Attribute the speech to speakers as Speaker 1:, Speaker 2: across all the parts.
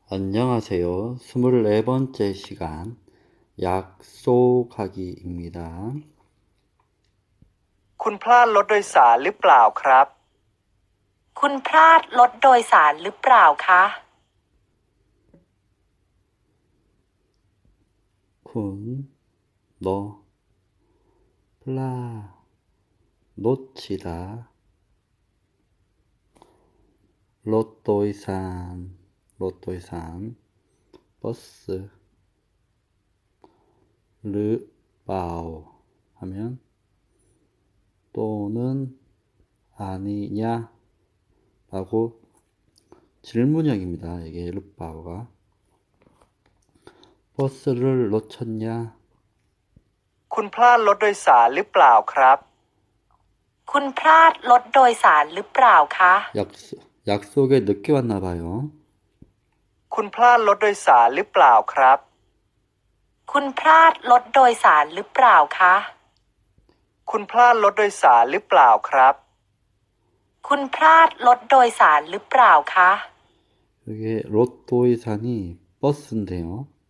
Speaker 1: 안녕하세요. 24번째 시간 약속하기입니다.
Speaker 2: คุณพลาดรถโดยสารหรือเปล่าครับ
Speaker 3: คุณพลาดรถโดยสารหรือเปล่าคะ
Speaker 1: 군, 너, 플라, 놓치다, 로또이산, 버스, 르바오 하면 또는 아니냐 라고 질문형입니다. 이게 르바오가 버스를 놓쳤냐?
Speaker 2: คุณพลาดรถโดยสารหรือเปล่าครับ
Speaker 3: คุณพลาดรถโดยสารหรือเปล่าคะ
Speaker 1: 약속에 늦게 왔나 봐요.
Speaker 2: คุณพลาดรถโดยสารหรือเปล่าครับ
Speaker 3: คุณพลาดรถโดยสารหรือเปล่าคะ
Speaker 2: คุณพลาดรถโดยสารหรือเปล่าครับ
Speaker 3: คุณพลาดรถโดยสารหรือเปล่าคะ
Speaker 1: 이게 로또이산이 버스인데요.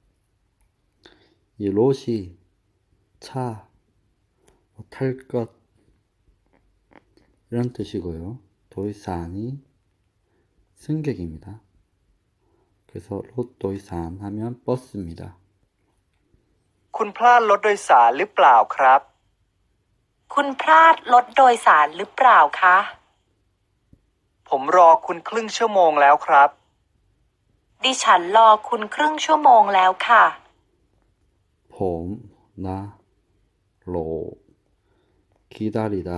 Speaker 1: 이 롯이 차, 탈 것 이런 뜻이고요. 도이산이 승객입니다. 그래서 롯도이산 하면 버스입니다.
Speaker 2: คุณพลาดรถโดยสารหรือเปล่าครับ
Speaker 3: คุณพลาดรถโดยสารหรือเปล่าคะ
Speaker 2: ผมรอคุณครึ่งชั่วโมงแล้วครับ
Speaker 3: ดิฉันรอคุณครึ่งชั่วโมงแล้วค่ะ
Speaker 1: 봄, 나, 로, 기다리다.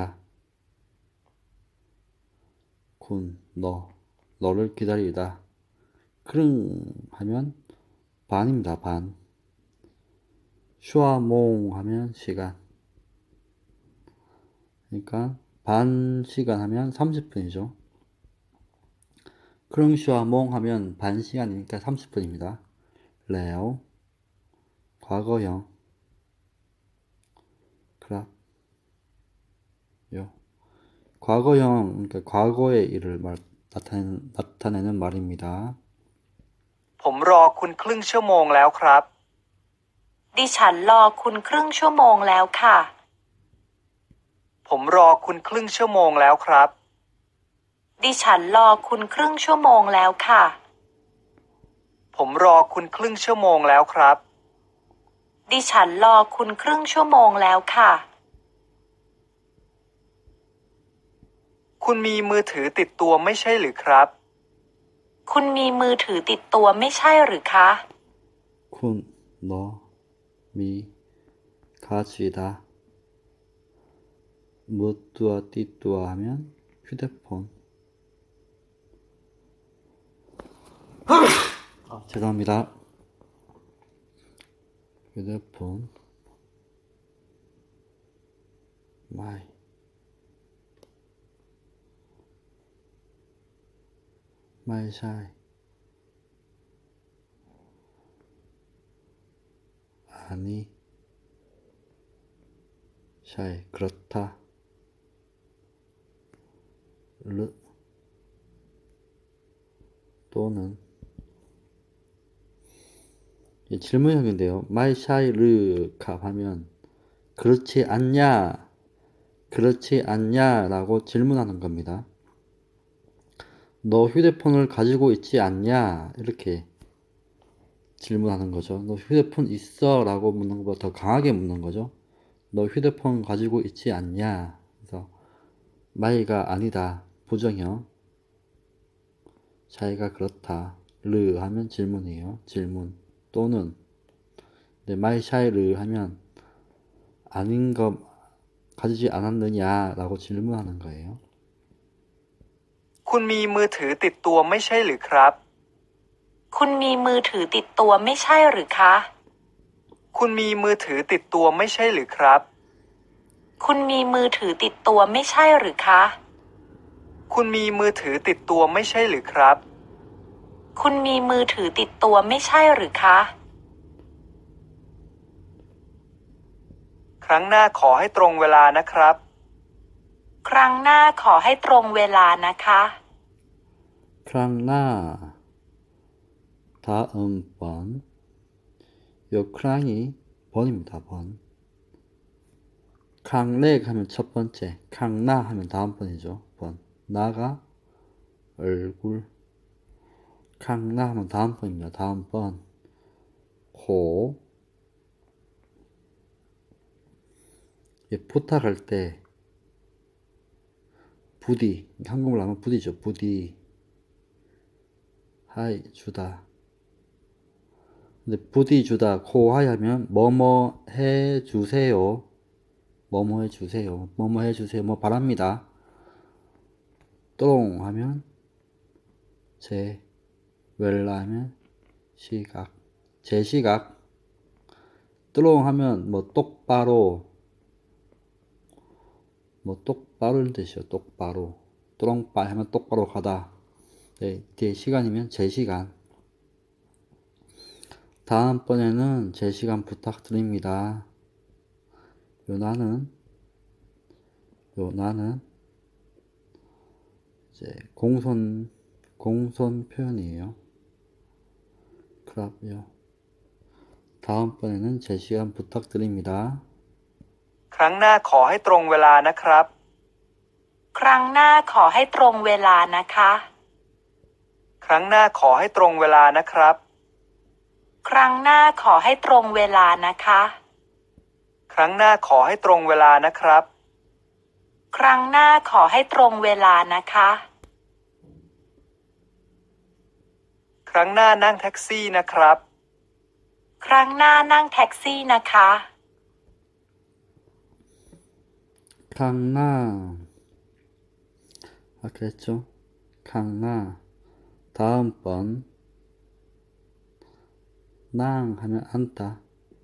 Speaker 1: 군, 너를 기다리다. 크릉 하면 반입니다. 반. 슈아몽 하면 시간. 그러니까 반 시간 하면 30분이죠. 크릉 슈아몽 하면 반 시간이니까 30분입니다. 레오 과거형 크랍 요 과거형 그러니까 과거의 일을 나타내는 말입니다.
Speaker 2: ผมรอคุณครึ่งชั่วโมงแล้วครับ
Speaker 3: ดิฉันรอคุณครึ่งชั่วโมงแล้วค่ะ
Speaker 2: ผมรอคุณครึ่งชั่วโมงแล้วครับ
Speaker 3: ดิฉันรอคุณครึ่งชั่วโมงแล้วค่ะ
Speaker 2: ผมรอคุณครึ่งชั่วโมงแล้วครับ
Speaker 3: ดิฉันรอคุณครึ่งชั่วโมงแล้วค่ะ
Speaker 2: คุณมีมือถือติดตัวไม่ใช่หรือครับ
Speaker 3: คุณมีมือถือติดตัวไม่ใช่หรือคะ
Speaker 1: 쿤, 너, 미, 가지다. 무뚜아 띠뚜아 하면 휴대폰. 죄송합니다. 휴대폰. 마이샤이. 아니, 샤이, 그렇다. 르, 또는 질문형인데요. 마이샤이 르캅 하면 그렇지 않냐, 그렇지 않냐 라고 질문하는 겁니다. 너 휴대폰을 가지고 있지 않냐 이렇게 질문하는 거죠. 너 휴대폰 있어? 라고 묻는 것보다 더 강하게 묻는 거죠. 너 휴대폰 가지고 있지 않냐? 그래서 마이가 아니다. 부정형. 샤이가 그렇다. 르 하면 질문이에요. 질문. 또는 마이 샤이 르 하면 아닌 거 가지지 않았느냐? 라고 질문하는 거예요.
Speaker 2: คุณมีมือถือติดตัวไม่ใช่หรือครับ
Speaker 3: คุณมีมือถือติดตัวไม่ใช่หรือคะ
Speaker 2: คุณมีมือถือติดตัวไม่ใช่หรือครับ
Speaker 3: คุณมีมือถือติดตัวไม่ใช่หรือคะ
Speaker 2: คุณมีมือถือติดตัวไม่ใช่หรือครับ
Speaker 3: คุณมีมือถือติดตัวไม่ใช่หรือคะ
Speaker 2: ครั้งหน้าขอให้ตรงเวลานะครับ
Speaker 3: ครั้งหน้าขอให้ตรงเวลานะคะ
Speaker 1: 크랑나 다음번. 요 크랑이 번입니다. 번. 캉렉 하면 첫 번째, 캉나 하면 다음번이죠. 번. 나가 얼굴. 캉나 하면 다음번입니다. 다음번. 호. 부탁할 때 부디, 한국말로 하면 부디죠. 부디. 하이 주다. 근데 부디 주다 코하이 하면 뭐뭐 해 주세요. 뭐뭐 해 주세요. 뭐뭐 해 주세요. 뭐 바랍니다. 똥 하면 제, 웰라 하면 시각. 제 시각. 뚜롱 하면 뭐 똑바로, 뭐 똑바로는 뜻이요. 똑바로. 뚜렁빠 하면 똑바로 가다. 네, 뒤에 시간이면 제 시간. 다음번에는 제 시간 부탁드립니다. 요 나는 이제 공손 표현이에요. 그럼요. 다음번에는 제 시간 부탁드립니다.
Speaker 2: ครั้งหน้าขอให้ตรงเวลานะครับ
Speaker 3: ครั้งหน้าขอให้ตรงเวลานะคะ
Speaker 2: ครั้งหน้าขอให้ตรงเวลานะครับ
Speaker 3: ครั้งหน้าขอให้ตรงเวลานะคะ
Speaker 2: ครั้งหน้าขอให้ตรงเวลานะครับ
Speaker 3: ครั้งหน้าขอให้ตรงเวลานะคะ
Speaker 2: ครั้งหน้านั่งแท็กซี่นะครับ
Speaker 3: ครั้งหน้านั่งแท็กซี่นะคะ
Speaker 1: 캉나. 그랬죠? 캉나. 다음번. 낭 하면 앉다.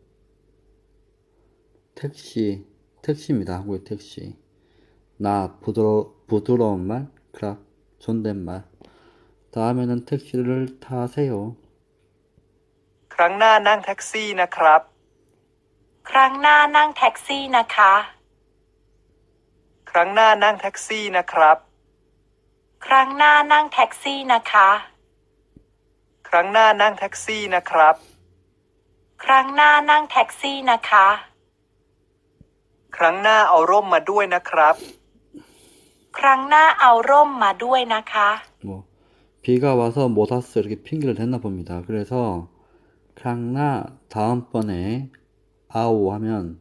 Speaker 1: 택시입니다. 한국의 택시. 나 부드러운 말, 크랍, 존댓말. 다음에는 택시를 타세요.
Speaker 2: ครั้งหน้านั่งแท็กซี่นะครับ
Speaker 3: ครั้งหน้านั่งแท็กซี่นะคะ
Speaker 2: ครั้งหน้านั่งแท็กซี่นะครับ
Speaker 3: ครั้งหน้านั่งแท็กซี่นะคะ
Speaker 2: ครั้งหน้านั่งแท็กซี่นะครับ
Speaker 3: ครั้งหน้านั่งแท็กซี่นะคะ
Speaker 2: ครั้งหน้าเอาร่มมาด้วยนะครับ
Speaker 3: ครั้งหน้าเอาร่มมาด้วยนะคะ
Speaker 1: 뭐 비가 와서 못 왔어 이렇게 핑계를 댔나 봅니다. 그래서 캉나 다음번에 아오 하면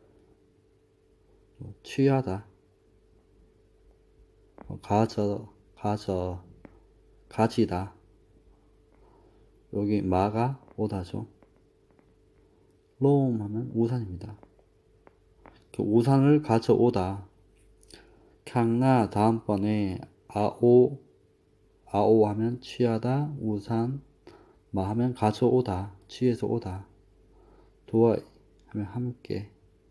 Speaker 1: 취하다. 가지다. 여기 마가 오다죠. 롬 하면 우산입니다. 우산을 가져오다. 캉나 다음번에 아오 하면 취하다. 우산 마 하면 가져오다. 취해서 오다. 도와 하면 함께.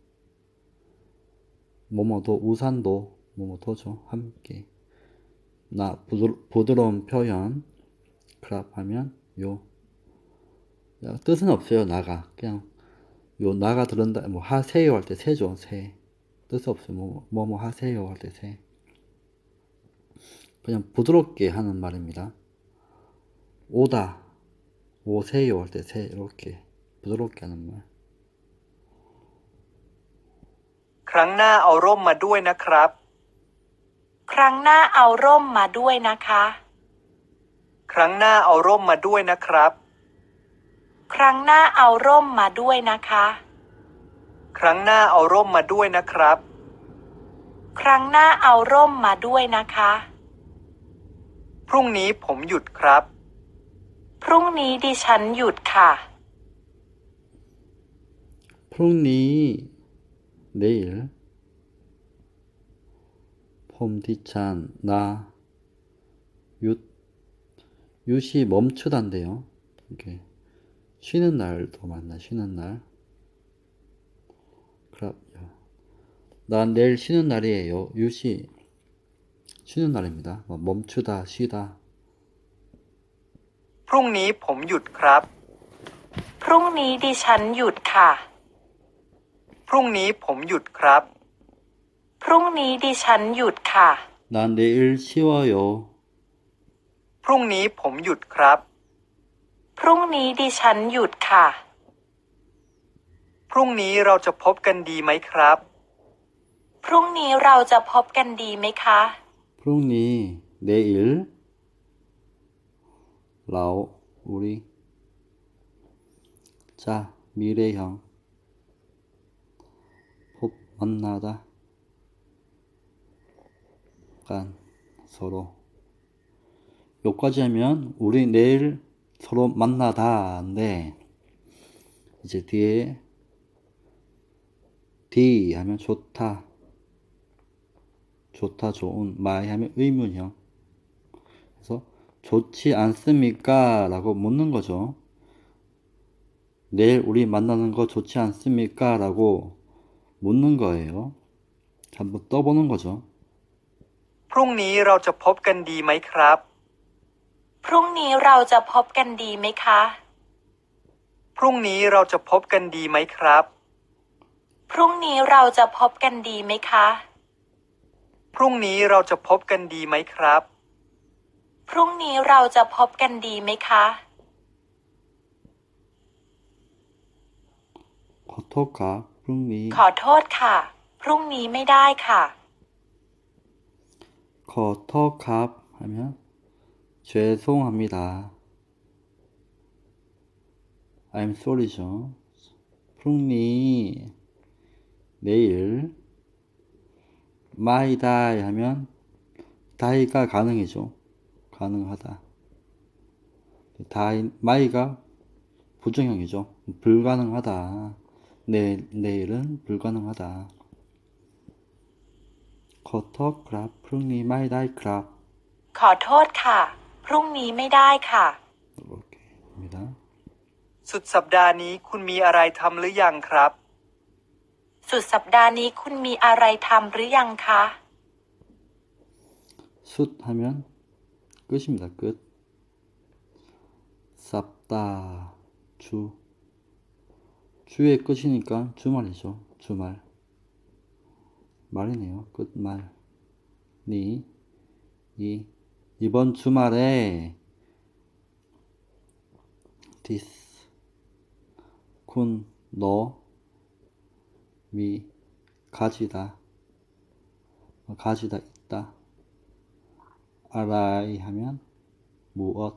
Speaker 1: 뭐뭐도 우산도 뭐뭐도죠. 함께. 나 부드러운 표현. 크랍 하면 요. 뜻은 없어요. 나가. 그냥 요 나가 들은다. 뭐 하세요 할 때 세죠. 세. 뜻 없어요. 뭐 하세요 할 때 세. 그냥 부드럽게 하는 말입니다. 오다. 오세요 할 때 세. 이렇게 부드럽게 하는 말.
Speaker 2: ครั้งหน้าเอาร่มมาด้วยนะครับ
Speaker 3: ครั้งหน้าเอาร่มมาด้วยนะคะ
Speaker 2: ครั้งหน้าเอาร่มมาด้วยนะครับ
Speaker 3: ครั้งหน้าเอาร่มมาด้วยนะคะ
Speaker 2: ครั้งหน้าเอาร่มมาด้วยนะครับ
Speaker 3: ครั้งหน้าเอาร่มมาด้วยนะคะ
Speaker 2: พรุ่งนี้ผมหยุดครับ
Speaker 3: พรุ่งนี้ดิฉันหยุดค่ะ
Speaker 1: 프롱니 내일 폼디찬 나 윷이 멈추다인데요. 이렇게 쉬는 날도 맞나 쉬는 날. 그럼 난 내일 쉬는 날이에요. 윷이 쉬는 날입니다. 멈추다 쉬다.
Speaker 2: พรุ่งนี้ผมหยุดครับ
Speaker 3: พรุ่งนี้ดิฉันหยุดค่ะ
Speaker 2: พรุ่งนี้ผมหยุดครับ
Speaker 3: พรุ่งนี้ดิฉันหยุดค่ะ
Speaker 1: 난 내일 쉬어요.
Speaker 2: พรุ่งนี้ผมหยุดครับ
Speaker 3: พรุ่งนี้ดิฉันหยุดค่ะ
Speaker 2: พรุ่งนี้เราจะพบกันดีไหมครับ
Speaker 3: พรุ่งนี้เราจะพบกันดีไหมคะ
Speaker 1: 프롱니 내일 라오 우리 자 미래형 법 만나다 간 서로 여기까지 하면 우리 내일 서로 만나다인데 이제 뒤에 D 하면 좋다 좋다 좋은 마이 하면 의문형 그래서 좋지 않습니까? 라고 묻는 거죠. 내일 우리 만나는 거 좋지 않습니까? 라고 묻는 거예요. 한번 떠보는 거죠.
Speaker 2: พรุ่งนี้เราจะพบกันดีไหมครับ
Speaker 3: พรุ่งนี้เราจะพบกันดีไหมคะ
Speaker 2: พรุ่งนี้เราจะพบกันดีไหมครับ
Speaker 3: พรุ่งนี้เราจะพบกันดีไหมคะ
Speaker 2: พรุ่งนี้เราจะพบกันดีไหมครับ
Speaker 3: พรุ่งนี้เราจะพบกันดีไหมคะ
Speaker 1: ขอโทษครับ พรุ่งนี้
Speaker 3: ขอโทษค่ะ พรุ่งนี้ไม่ได้ค่ะ
Speaker 1: ขอโทษครับ 하면 죄송합니다. I'm sorry죠. 프롱니 내일 my die 하면 die가 가능이죠. 가능하다. die my가 부정형이죠. 불가능하다. 내일은 불가능하다.ขอโทษครับ พรุ่งนี้ my die ครับ
Speaker 3: ขอโทษค่ะ พรุ่งนี้ไม่ได้ค่ะ
Speaker 1: 이렇게 합니다.
Speaker 2: สุดสัปดาห์นี้คุณมีอะไรทำหรือยังครับ
Speaker 3: สุดสัปดาห์นี้คุณมีอะไรทำหรือยังคะ
Speaker 1: 숫 하면 끝입니다. 끝. 쌉다 주 주의 끝이니까 주말이죠. 주말 말이네요. 끝말 니 이번 주말에 this 군 너 미 가지다 있다 알아이 하면 무엇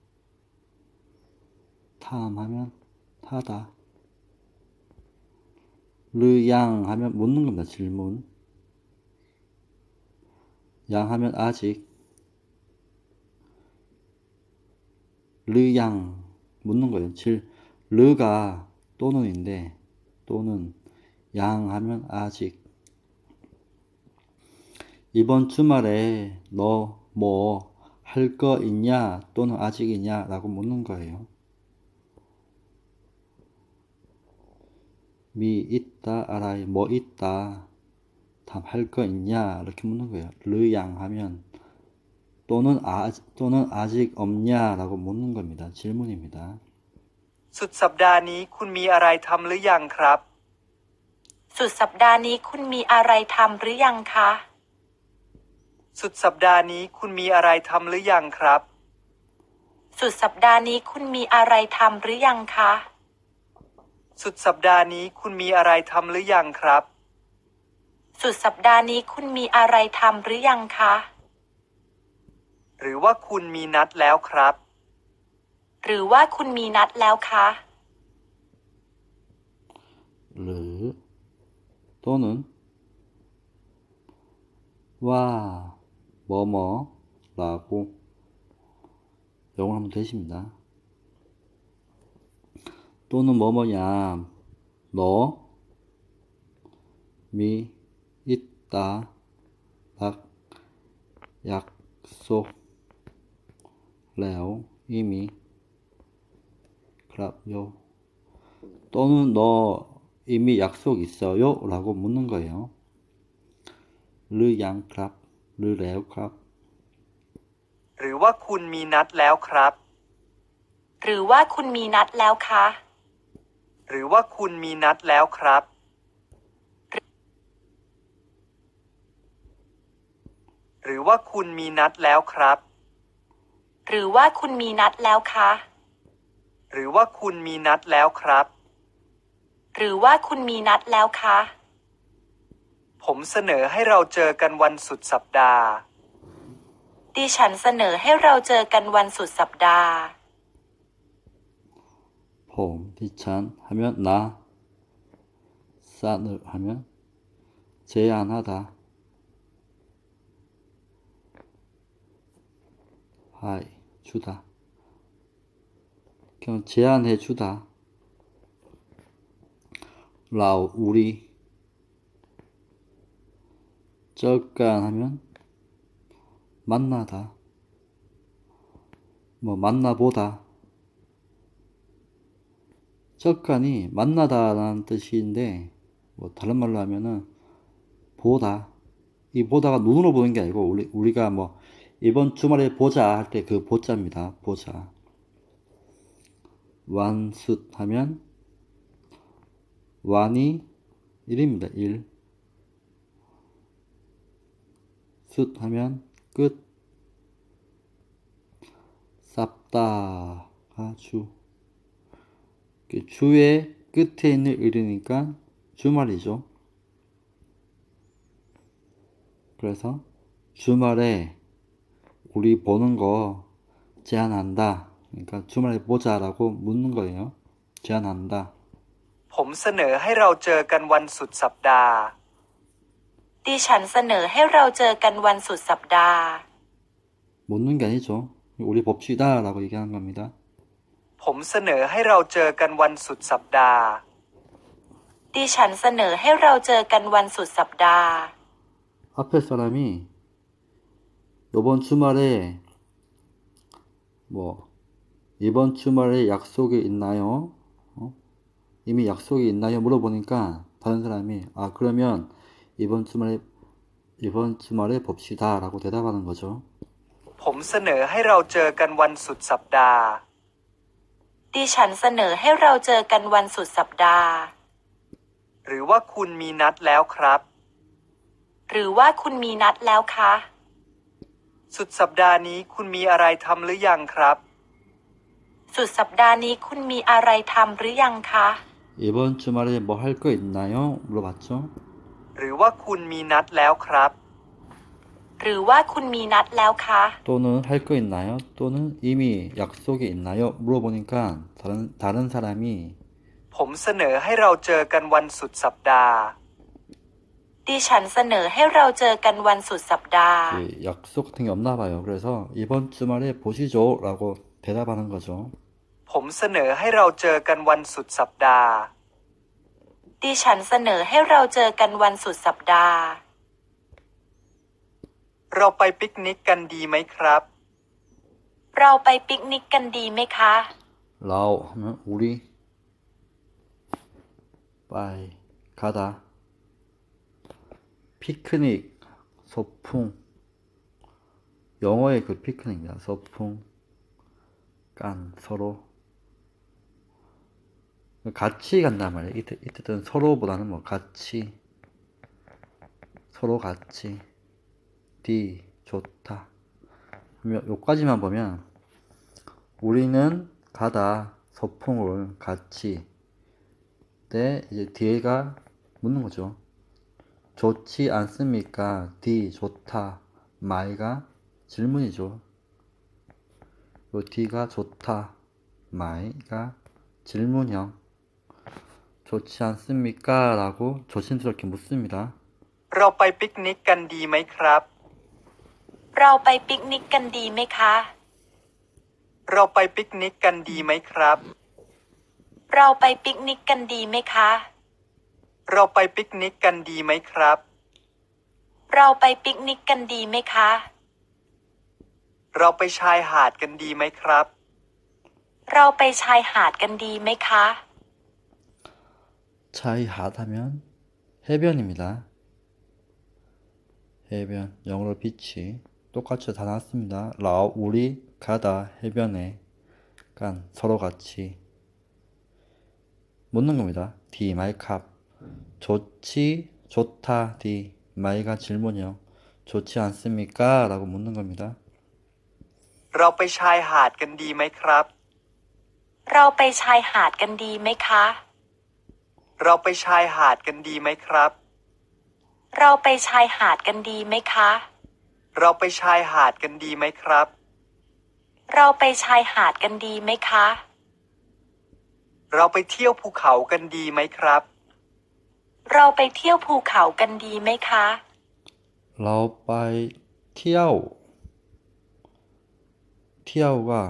Speaker 1: 탐하면 타다 르양 하면 묻는 겁니다. 질문 양 하면 아직 르양 묻는 거예요. 르가 또는인데 또는 양 하면 아직 이번 주말에 너 뭐 할 거 있냐 또는 아직이냐 라고 묻는 거예요. 미 있다 알아이 뭐 있다 답 할 거 있냐 이렇게 묻는 거예요. 르양 하면 또는 아직 없냐 라고 묻는 겁니다. 질문입니다.
Speaker 2: สุดสัปดาห์นี้คุณมีอะไรทำหรือยังครับ
Speaker 3: สุดสัปดาห์นี้คุณมีอะไรทำหรือยังคะ
Speaker 2: สุดสัปดาห์นี้คุณมีอะไรทำหรือยังครับ
Speaker 3: สุดสัปดาห์นี้คุณมีอะไรทำหรือยังคะ
Speaker 2: สุดสัปดาห์นี้คุณมีอะไรทำหรือยังครับ
Speaker 3: สุดสัปดาห์นี้คุณมีอะไรทำหรือยังคะ
Speaker 2: หรือว่าคุณมีนัดแล้วครับ
Speaker 3: หรือว่าคุณมีนัดแล้วคะ
Speaker 1: 르 또는 와 뭐뭐라고 영어로 하면 되십니다. 또는 뭐뭐야 너 미 있다 락 약속 레오 이미 그랍요 또는 너 이미 약속 있어요? 라고 묻는 거예요. 르양 그랍 르레오 그랍
Speaker 2: หรือว่าคุณมีนัดแล้วครับ
Speaker 3: หรือว่าคุณมีนัดแล้วคะ
Speaker 2: หรือว่าคุณมีนัดแล้วครับ หรือว่าคุณมีนัดแล้วครับ
Speaker 3: หรือว่าคุณมีนัดแล้วคะ
Speaker 2: หรือว่าคุณมีนัดแล้วครับ
Speaker 3: หรือว่าคุณมีนัดแล้วคะ
Speaker 2: ผมเสนอให้เราเจอกันวันสุดสัปดาห์
Speaker 3: ดิฉันเสนอให้เราเจอกันวันสุดสัปดาห์
Speaker 1: 봄, 디찬 하면 나, 싼을 하면 제안하다, 하이, 주다. 그냥 제안해 주다. 라우, 우리. 쩌깐 하면 만나다. 뭐 만나보다. 쩌깐이 만나다라는 뜻인데 뭐 다른 말로 하면은 보다. 이 보다가 눈으로 보는 게 아니고 우리가 뭐 이번 주말에 보자 할 때 그 보자입니다. 보자. 완숫 하면 완이 1입니다. 1. 숫 하면 끝. 쌉다가 주. 주의 끝에 있는 을이니까 주말이죠. 그래서 주말에 우리 보는 거 제안한다. 그러니까 주말에 보자라고 묻는 거예요. 제안한다.
Speaker 2: ผมเสนอให้เราเจอกันวันสุดสัปดาห์
Speaker 3: ดิฉันเสนอให้เราเจอกันวันสุดสัปดาห์
Speaker 1: 묻는 게 아니죠. 우리 봅시다라고 얘기하는 겁니다.
Speaker 2: ผมเสนอให้เราเจอกันวันสุดสัปดาห์
Speaker 3: ดิฉันเสนอให้เราเจอกันวันสุดสัปดาห์
Speaker 1: 앞에 사람이 이번 주말에 뭐 이번 주말에 약속이 있나요? 이미 약속이 있나요? 물어보니까 다른 사람이 그러면 이번 주말에 봅시다라고 대답하는 거죠.
Speaker 2: ผมเสนอให้เราเจอกันวันสุดสัปดาห์
Speaker 3: ดิฉันเสนอให้เราเจอกันวันสุดสัปดาห์
Speaker 2: หรือว่าคุณมีนัดแล้วครับ
Speaker 3: หรือว่าคุณมีนัดแล้วคะ
Speaker 2: สุดสัปดาห์นี้คุณมีอะไรทำหรือยังครับ
Speaker 3: สุดสัปดาห์นี้คุณมีอะไรทำหรือยังคะ
Speaker 1: 이번 주말에 뭐 할 거 있나요? 물어봤죠.
Speaker 2: หรือว่าคุณมีนัดแล้วครับ
Speaker 3: หรือว่าคุณมีนัดแล้วคะ
Speaker 1: 또는 할 거 있나요? 또는 이미 약속이 있나요? 물어보니까 다른 사람이
Speaker 2: ผมเสนอให้เราเจอกันวันสุดสัปดาห์
Speaker 3: ดิฉันเสนอให้เราเจอกันวันสุดสัปดาห์
Speaker 1: 약속 같은 게 없나 봐요. 그래서 이번 주말에 보시죠라고 대답하는 거죠.
Speaker 2: ผมเสนอให้เราเจอกันวันสุดสัปดาห์
Speaker 3: ดิฉันเสนอให้เราเจอกันวันสุดสัปดาห์
Speaker 2: เราไปปิกนิกกันดีไหมครับ
Speaker 3: เราไปปิกนิกกันดีไหมคะ
Speaker 1: 라오 하면 우리 빠이 가다 피크닉 소풍 영어의 그 피크닉입니다. 소풍 깐 서로 같이 간단 말이에요. 이때는 서로보다는 뭐 같이 서로 같이 디 좋다 요까지만 보면 우리는 가다 소풍을 같이 때 이제 뒤에가 묻는 거죠. 좋지 않습니까? 디 좋다 마이가 질문이죠. 요 뒤가 좋다 마이가 질문형 좋지 않습니까? 라고 조심스럽게 묻습니다.
Speaker 2: เราไปปิกนิกกันดีไหมครับ
Speaker 3: เราไปปิกนิกกันดีไหมคะ
Speaker 2: เราไปปิกนิกกันดีไหมครับ
Speaker 3: เราไปปิกนิกกันดีไหมคะ
Speaker 2: เราไปปิกนิกกันดีไหมครับ
Speaker 3: เราไปปิกนิกกันดีไหมคะ
Speaker 2: เราไปชายหาดกันดีไหมครับ
Speaker 3: เราไปชายหาดกันดีไหมคะ
Speaker 1: 차이 핫하면 해변입니다. 해변 영어로 비치 똑같이 다 나왔습니다. 라오 우리 가다 해변에 간 서로 같이 묻는 겁니다. 디 마이 캅 좋지 좋다 디 마이가 질문형 좋지 않습니까? 라고 묻는 겁니다.
Speaker 2: เราไปชายหาดกันดีไหมครับ
Speaker 3: เราไปชายหาดกันดีไหมคะ
Speaker 2: เราไปชายหาดกันดีไหมครับ
Speaker 3: เราไปชายหาดกันดีไหมคะ
Speaker 2: เราไปชายหาดกันดีไหมครับ
Speaker 3: เราไปชายหาดกันดีไหมคะ
Speaker 2: เราไปเที่ยวภูเขากันดีไหมครับ
Speaker 3: เราไปเที่ยวภูเขากันดีไหมคะ
Speaker 1: เราไปเที่ยวเที่ยว가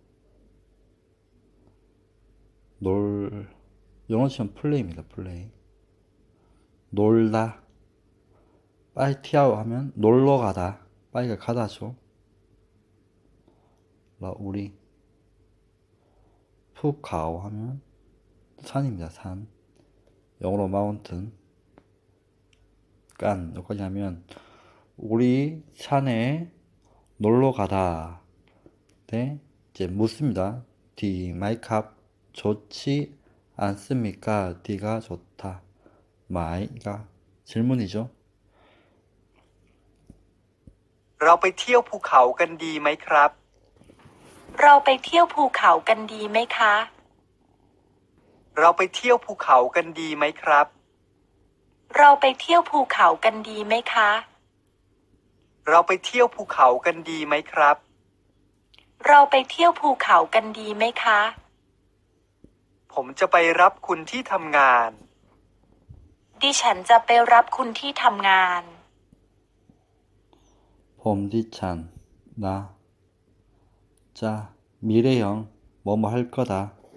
Speaker 1: 놀 영어처럼 플레이입니다. 플레이. 놀다. 빠이 티아오 하면 놀러 가다. 빠이가 가다죠. 라 우리 푸카오 하면 산입니다. 산. 영어로 마운튼. 깐 여기까지 하면 우리 산에 놀러 가다. 네, 이제 묻습니다. D 마이캅 좋지 않습니까? D가 좋다. 마이가 질문이죠.
Speaker 2: เราไปเที่ยวภูเขากันดีไหมครับ
Speaker 3: เราไปเที่ยวภูเขากันดีไหมคะ
Speaker 2: เราไปเที่ยวภูเขากันดีไหมครับ
Speaker 3: เราไปเที่ยวภูเขากันดีไหมคะ
Speaker 2: เราไปเที่ยวภูเขากันดีไหมครับ
Speaker 3: เราไปเที่ยวภูเขากันดีไหมคะ
Speaker 2: ผมจะไปรับคุณที่ทำงาน
Speaker 3: ดิฉันจะไปรับคุณที่ทำงาน
Speaker 1: 봄디찬 나 자 미래형 뭐뭐 할 거다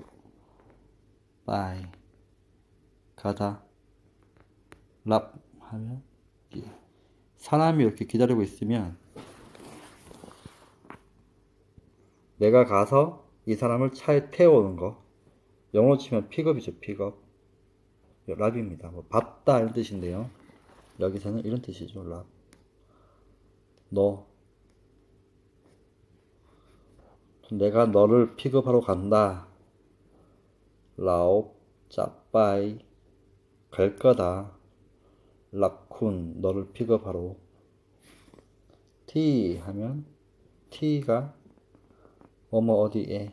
Speaker 1: 빠이 가다 랍 하면 사람이 이렇게 기다리고 있으면 내가 가서 이 사람을 차에 태워오는 거 영어로 치면 픽업이죠. 픽업 랍입니다. 뭐 받다 이런 뜻인데요. 여기서는 이런 뜻이죠. 랍 너 내가 너를 픽업하러 간다. 라옵 짜빠이 갈 거다. 랍쿤 너를 픽업하러 티 하면 티가 뭐뭐 어디에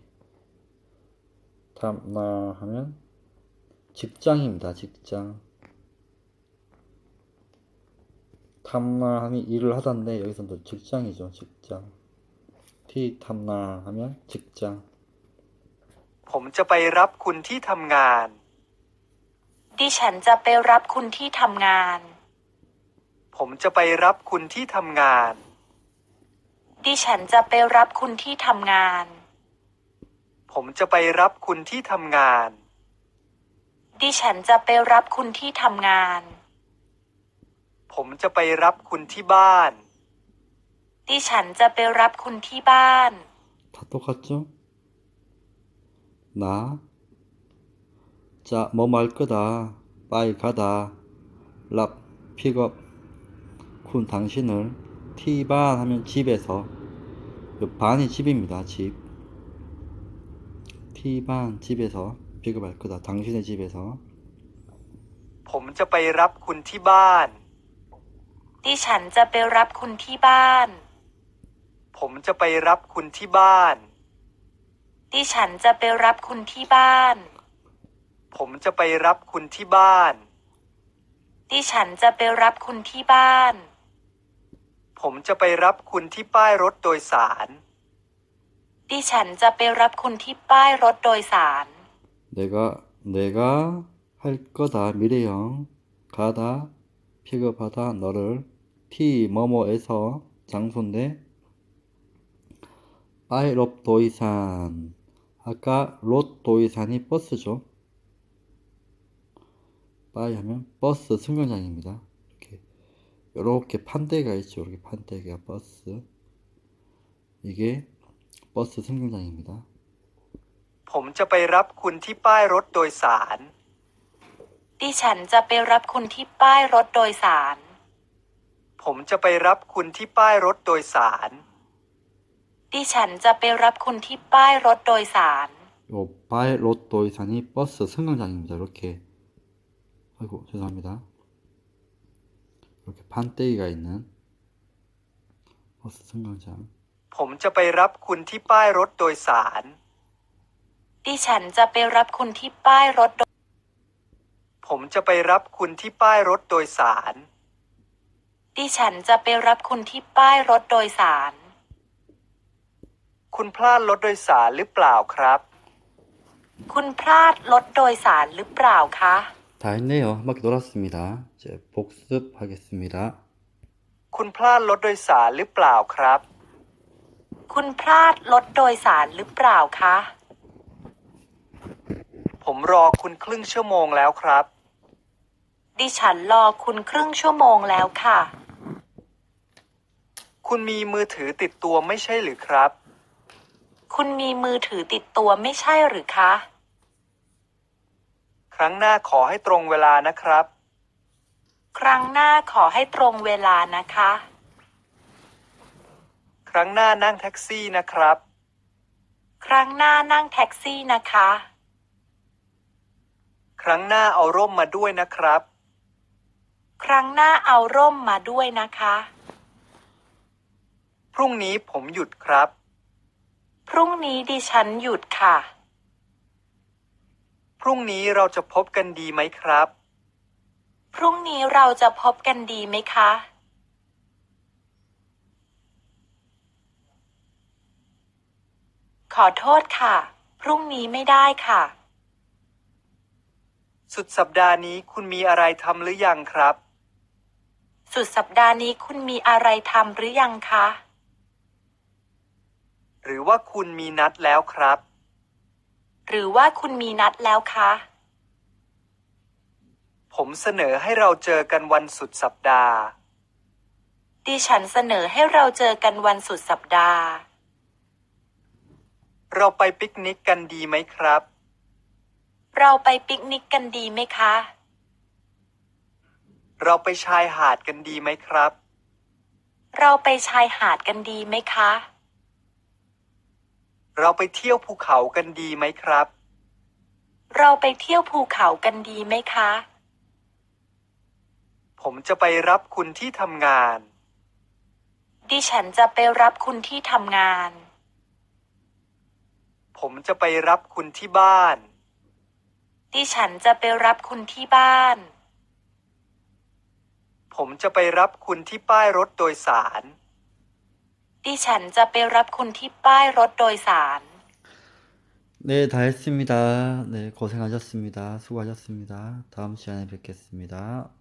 Speaker 1: 탐나 하면 직장입니다. 직장 탐나 하면 일을 하던데 여기서 또 직장이죠. 직장 티 탐나 하면 직장
Speaker 2: ผมจะไปรับคุณที่ทำงาน
Speaker 3: ดิฉันจะไปรับคุณที่ทำงาน
Speaker 2: ผมจะไปรับคุณที่ทำงาน
Speaker 3: ดิฉันจะไปรับคุณที่ทำงาน
Speaker 2: ผมจะไปรับคุณที่ทำงาน
Speaker 3: ดิฉันจะไปรับคุณที่ทำงาน
Speaker 2: ผมจะไปรับคุณที่บ้าน
Speaker 3: ดิฉันจะไปรับคุณที่บ้าน
Speaker 1: 다 똑같죠? 나 자, 뭐 말 거다. 빠이 가다. 랍 픽업 군 당신을 티반 하면 집에서 요 반이 집입니다. 집 티반 집에서 픽업할 거다. 당신의 집에서
Speaker 2: ผมจะไปรับคุณที่บ้าน
Speaker 3: ดิฉันจะไปรับคุณที่บ้าน
Speaker 2: ผมจะไปรับคุณที่บ้าน
Speaker 3: ดิฉันจะไปรับคุณที่บ้าน
Speaker 2: ผมจะไปรับคุณที่บ้าน
Speaker 3: ดิฉันจะไปรับคุณที่บ้าน
Speaker 2: ผมจะไปรับคุณที่ป้ายรถโดยสาร
Speaker 3: ดิฉันจะไปรับคุณที่ป้ายรถโดยสาร
Speaker 1: 내가 할 거다. 미래형 가다 픽업하다 너를 티 뭐뭐에서 장소인데 빠이 롭 도이산 아까 롯 도이산이 버스죠. 빠이 하면 버스 승강장입니다. 이렇게 판대가 있죠. 이렇게 판대가 버스 이게 버스 승강장입니다.
Speaker 2: ผมจะไปรับคุณที่ป้ายรถโดยสาร
Speaker 3: ดิฉันจะไปรับคุณที่ป้ายรถโดยสาร
Speaker 2: ผมจะไปรับคุณที่ป้ายรถโดยสาร
Speaker 3: ดิฉันจะไปรับคุณที่ป้ายรถโดยสาร
Speaker 1: 요 빠이 롯 도이산이 버스 승강장입니다. 이렇게 아이고 죄송합니다. 이렇게 판대기가 있는 버스 승강장
Speaker 2: ผมจะไปรับคุณที่ป้ายรถโดยสาร
Speaker 3: ดิฉันจะไปรับคุณที่ป้ายรถ
Speaker 2: ผมจะไปรับคุณที่ป้ายรถโดยสาร
Speaker 3: ดิฉันจะไปรับคุณที่ป้ายรถโดยสาร
Speaker 2: คุณพลาดรถโดยสารหรือเปล่าครับ
Speaker 3: คุณพลาดรถโดยสารหรือเปล่าคะ
Speaker 1: 다 했네요. 한 바퀴 돌았습니다. 이제 복습하겠습니다.
Speaker 2: คุณพลาดรถโดยสารหรือเปล่าครับ
Speaker 3: คุณพลาดรถโดยสารหรือเปล่าคะ
Speaker 2: ผมรอคุณครึ่งชั่วโมงแล้วครับ
Speaker 3: ดิฉันรอคุณครึ่งชั่วโมงแล้วค่ะ
Speaker 2: คุณมีมือถือติดตัวไม่ใช่หรือครับ
Speaker 3: คุณมีมือถือติดตัวไม่ใช่หรือคะ
Speaker 2: ครั้งหน้าขอให้ตรงเวลานะครับ
Speaker 3: ครั้งหน้าขอให้ตรงเวลานะคะ
Speaker 2: ครั้งหน้านั่งแท็กซี่นะครับ
Speaker 3: ครั้งหน้านั่งแท็กซี่นะคะ
Speaker 2: ครั้งหน้าเอาร่มมาด้วยนะครับ
Speaker 3: ครั้งหน้าเอาร่มมาด้วยนะคะ
Speaker 2: พรุ่งนี้ผมหยุดครับ
Speaker 3: พรุ่งนี้ดิฉันหยุดค่ะ
Speaker 2: พรุ่งนี้เราจะพบกันดีไหมครับ
Speaker 3: พรุ่งนี้เราจะพบกันดีไหมคะ ขอโทษค่ะ พรุ่งนี้ไม่ได้ค่ะ
Speaker 2: สุดสัปดาห์นี้คุณมีอะไรทำหรือยังครับ
Speaker 3: สุดสัปดาห์นี้คุณมีอะไรทำหรือยังคะ
Speaker 2: หรือว่าคุณมีนัดแล้วครับ
Speaker 3: หรือว่าคุณมีนัดแล้วคะ
Speaker 2: ผมเสนอให้เราเจอกันวันสุดสัปดาห์
Speaker 3: ดิฉันเสนอให้เราเจอกันวันสุดสัปดาห์
Speaker 2: เราไปปิกนิกกันดีไหมครับ
Speaker 3: เราไปปิกนิกกันดีไหมคะ
Speaker 2: เราไปชายหาดกันดีไหมครับ
Speaker 3: เราไปชายหาดกันดีไหมคะ
Speaker 2: เราไปเที่ยวภูเขากันดีไหมครับ
Speaker 3: เราไปเที่ยวภูเขากันดีไหมคะ
Speaker 2: ผมจะไปรับคุณที่ทำงาน
Speaker 3: ดิฉันจะไปรับคุณที่ทำงาน
Speaker 2: ผมจะไปรับคุณที่บ้าน
Speaker 3: ดิฉันจะไปรับคุณที่บ้าน
Speaker 2: ผมจะไปรับคุณที่ป้ายรถโดยสาร
Speaker 3: ดิฉันจะไปรับคุณที่ป้ายรถโดยสาร
Speaker 1: 네, 다 했습니다. 네, 고생하셨습니다. 수고하셨습니다. 다음 시간에 뵙겠습니다.